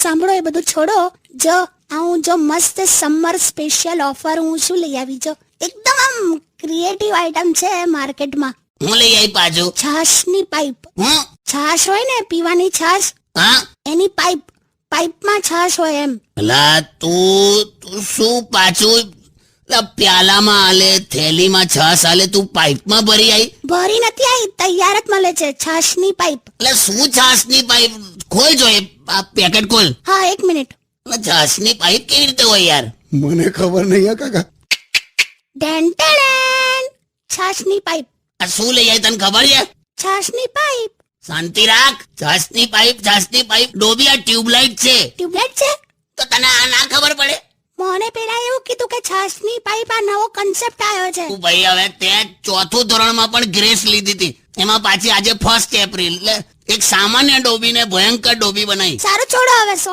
સાંભળો, એ બધું છોડો. જો હું જો મસ્ત સમર સ્પેશિયલ ઓફર હું શું લઈ આવી, જો એકદમ આમ ક્રિએટિવ આઈટમ છે માર્કેટમાં. હું લઈ આવી પાછું? છાશની પાઇપ. હું? છાશ હોય ને, પીવાની છાશ, હા, એની પાઇપમાં છાશ હોય એમ. અલા તું શું પાછું પ્યાલામાં આલે, થેલીમાં છાશ આલે, તું પાઇપમાં ભરી આવી? ભરી નથી આવી, તૈયાર જ મળે છે છાશની પાઇપ. એટલે શું છાશની પાઇપ? ખોલ જો એ આ પેકેટ ખોલ. હા, 1 મિનિટ. છાશની પાઇપ કેવી રીતે હોય યાર? મને ખબર નહીં હા કાકા. ડેન્ટેડેન, છાશની પાઇપ. આ શું લઈ આવી તને ખબર છે? છાશની પાઇપ. શાંતિ રાખ. છાશની પાઇપ ડોબી, આ ટ્યુબલાઇટ છે. ટ્યુબલાઇટ છે તો તને આ ના ખબર પડે? મને પેલા એવું કીધું કે છાશની પાઇપ આ નવો કન્સેપ્ટ આવ્યો છે. તું ભાઈ હવે તે 4થું ધોરણમાં પણ ગ્રેસ લીધી હતી, એમાં પાછી આજે 1 એપ્રિલ એટલે એક સામાન્ય ડોબીને ભયંકર ડોબી બનાવી. સારું છોડો હવે.